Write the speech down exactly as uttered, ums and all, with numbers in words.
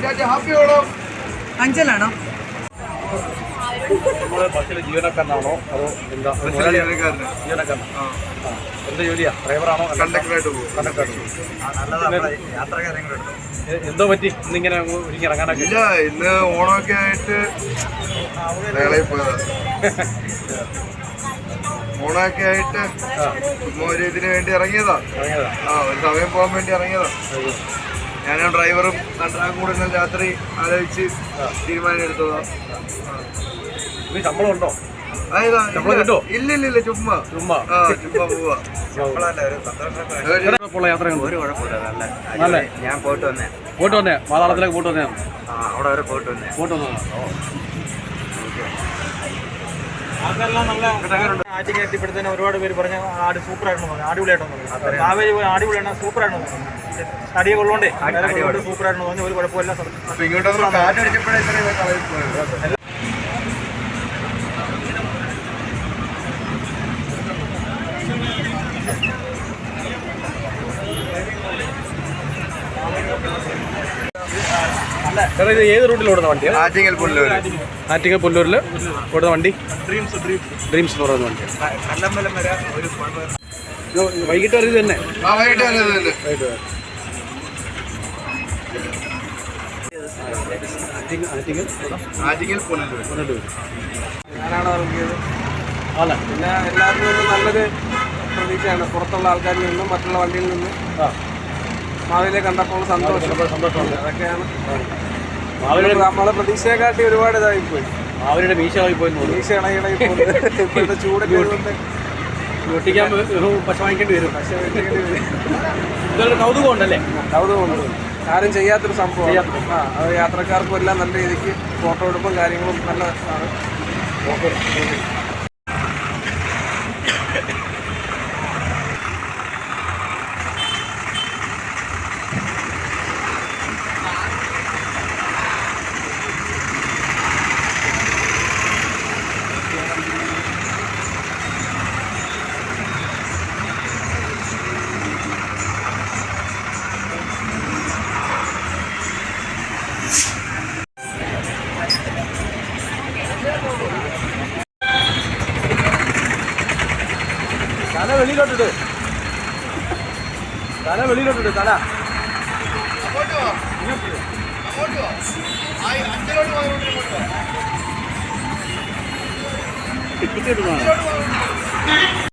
അഞ്ചലാണോ? നമ്മള് ബസ്സിലെ ജീവനക്കാരനാണോ അതോ എന്താ? ജീവനക്കാരൻ. എന്ത് ജോലിയാ? ഡ്രൈവറാണോ? കണ്ടക്ടറായിട്ട് പോകും. കണ്ടക്ടറായിട്ട് എന്തോ പറ്റി ഇന്നിങ്ങനെ ഒരുങ്ങി ഇറങ്ങാനൊക്കെ? ഇല്ല, ഇന്ന് ഓണമൊക്കെ ആയിട്ട് പോയതാ. ഓണമൊക്കെ ആയിട്ട് ഒരു ഇതിന് വേണ്ടി ഇറങ്ങിയതാ. ആ ഒരു സമയം പോകാൻ വേണ്ടി ഇറങ്ങിയതാ. ഞാനും ഡ്രൈവറും കണ്ടക്ടറും കൂടെ ഇന്നലെ രാത്രി ആലോചിച്ച് തീരുമാനം എടുത്തതാ. ശമ്പളം ഉണ്ടോ? ഇല്ല ഇല്ല ഇല്ല ചുമ്മാ ചുമ്മാ ആ ചുമ്മാ പോവാ. ഒരു കുഴപ്പമില്ല. നല്ല ഞാൻ പോയിട്ട് വന്നേ പോയിട്ട് വന്നേ പാതാളത്തിലേക്ക് പോയിട്ട് വന്നേ അവിടെ വരെ പോയിട്ട് വന്നേ പോയിട്ട് വന്നോ? അതെല്ലാം നല്ല ആറ്റിങ്ങ എത്തിപ്പെടുത്തന്നെ ഒരുപാട് പേര് പറഞ്ഞ ആട് സൂപ്പറായിരുന്നു പറഞ്ഞു. അടിപൊളിയായിട്ടെന്ന് പറഞ്ഞു. കാവേരി പോയി അടിപൊളിയാണ്, സൂപ്പറായിരുന്നു പറഞ്ഞു. തടിയെ കൊള്ളോണ്ടേ സൂപ്പറായിരുന്നു പറഞ്ഞു. ഒരു കുഴപ്പമില്ല. ഇങ്ങോട്ടൊന്നും കാറ്റടിച്ചപ്പോഴേ ഇത്രയും കളയിൽ പോയത്. സാറേ ഇത് ഏത് റൂട്ടിൽ ഓടുന്ന വണ്ടിയാണ്? ആറ്റിങ്ങൽ പുല്ലൂർ. ആറ്റിങ്ങൽ പുല്ലൂരിൽ ഓടുന്ന വണ്ടി ഡ്രീംസ് ഡ്രീംസ് എന്ന് പറയുന്ന വണ്ടിയാണ്. വൈകിട്ട് വരെ ഇത് തന്നെ? ആ വൈകിട്ട് തന്നെ വൈകിട്ട് ആറ്റിങ്ങൽ ആറ്റിങ്ങൽ പുല്ലൂർ. ഞാനാണ് ഇറങ്ങിയത്. അല്ല പിന്നെ എല്ലാവർക്കും നിന്നും നല്ലൊരു പ്രതീക്ഷയാണ്. പുറത്തുള്ള ആൾക്കാരിൽ നിന്നും മറ്റുള്ള വണ്ടിയിൽ നിന്നും മാവിലെ കണ്ടപ്പോൾ സന്തോഷം സന്തോഷമുണ്ട്. അതൊക്കെയാണ് നമ്മളെ പ്രതീക്ഷയെക്കാട്ടി ഒരുപാട് ഇതായിപ്പോയി. അവരുടെ മീശ പോയി മീശ ഇളകിളകി പോകുന്നത് ഇപ്പോഴത്തെ ചൂടൊക്കെ കൊണ്ട് ഒട്ടിക്കാൻ പശ വാങ്ങിക്കേണ്ടി വരും. പശ വാങ്ങിക്കേണ്ടി വരും. ഇതൊരു കൗതുകം ഉണ്ടല്ലേ? കൗതുകമുണ്ട്. ആരും ചെയ്യാത്തൊരു സംഭവം. ആ അത് യാത്രക്കാർക്കും എല്ലാം നല്ല രീതിക്ക് ഫോട്ടോ എടുപ്പും കാര്യങ്ങളും നല്ലതാണ്. ഓക്കെ. തല വെളിയിലോട്ടിട്ട് തല വെളിയിലോട്ടിട്ട് തല ടിക്കറ്റ് കിട്ടുന്നതാണ്.